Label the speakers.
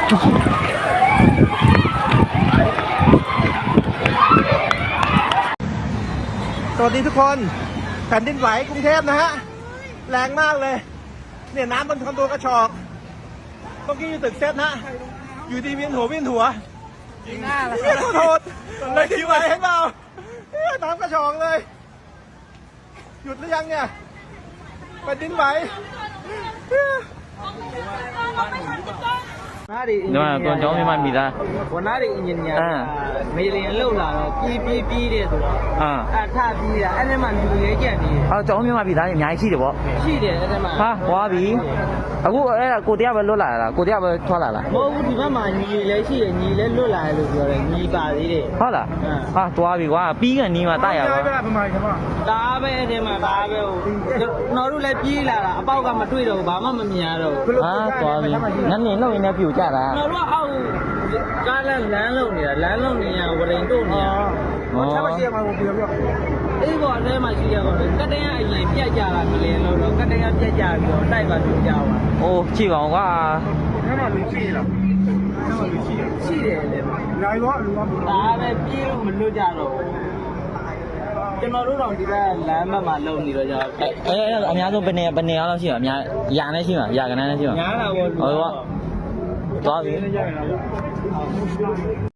Speaker 1: สวัสดีทุกคนแผ่นดินไหวกรุงเทพนะฮะแรงมากเลยเนี่ยน้ำบนคอนโดกระชอกเมื่อกี้อยู่ตึกเซฟนะอยู่ดีเวียนหัวยิงหน้าเลยขอโทษเลยที่ไหวให้เปล่าน้ำกระชอกเลยหยุดหรือยังเนี่ยแผ่นดินไหว
Speaker 2: ဒီမှာကွန်ကျောင်းမိမမိသားဝန်သားတွေအင်ဂျင်နီယာမေလင်လောက်လာတော့ပြီးတဲ့ဆိုတော့ထပြီးတာအဲ့ဒီမှာလူရဲကြံနေတယ်
Speaker 3: ကျောင်းမိမမိသားတွေအများကြီးရှိတယ်ပေါ့
Speaker 2: ရှိတယ်အဲ့ဒီမှာ
Speaker 3: ဟာဟွာပြီအခုအဲ့ဒါကိုတရားပဲလွတ်လာလားကိုတရားပဲထွက်လာလား
Speaker 2: မဟုတ်ဘူးဒီဘက်မှာညီလည်းရှိတယ်ညီလည်းလွတ်လာတယ်လို့ပြောတယ်ညီပါသေးတယ်
Speaker 3: ဟုတ်လားဟာသွားပြီကွာပြီးကန်နီးမှာတရပါ
Speaker 2: ဒါပဲအဲ့ဒီမှာဒါပဲဟိုကျွန်တော်တို့လည်းပြေးလာတာအပေါက်ကမတွေ့တော့ဘူးဘာမှမမြင်ရတော့ဘူး
Speaker 3: ဟာသွားပြီနန်းနေလောက်ရင်လည်းပြူကြတာ
Speaker 2: ကျွန်တော်တို့အောက်ကားလမ်းလုံးနေတာလမ်းလုံးနေရဝရင်တို့နေရ
Speaker 1: ဆက်မရှိရမှာကိုပြော
Speaker 2: အေးပေါ်အဲမှာရှိရတော့ကတန်းအရင်ပြတ်ကြတာမလင်းလို့တော့ကတန်းပြတ်ကြပြီးတော့တိုက်ပါလို့ကြောက်ပါ
Speaker 3: အိုးကြည့်ပါဦးကွာ
Speaker 1: အဲ့မှာလူရှိလား
Speaker 2: ရှိတယ်လေ
Speaker 1: လာရောလူက
Speaker 2: ဒါပဲပြေးလို့မလွတ်ကြတော့ကျွန်တော်တို့တော့ဒီဘက်လမ်းဘက်မှာလုံနေတော့ကြ
Speaker 3: အများဆုံးဘယ်နေရာလောက်ရှိမှာအများရာနဲ့ရှိမှာရာကနန်းနဲ့ရှိမှာ
Speaker 2: ညားတာပေါ့
Speaker 3: ဟုတ်ပါသွားပြီ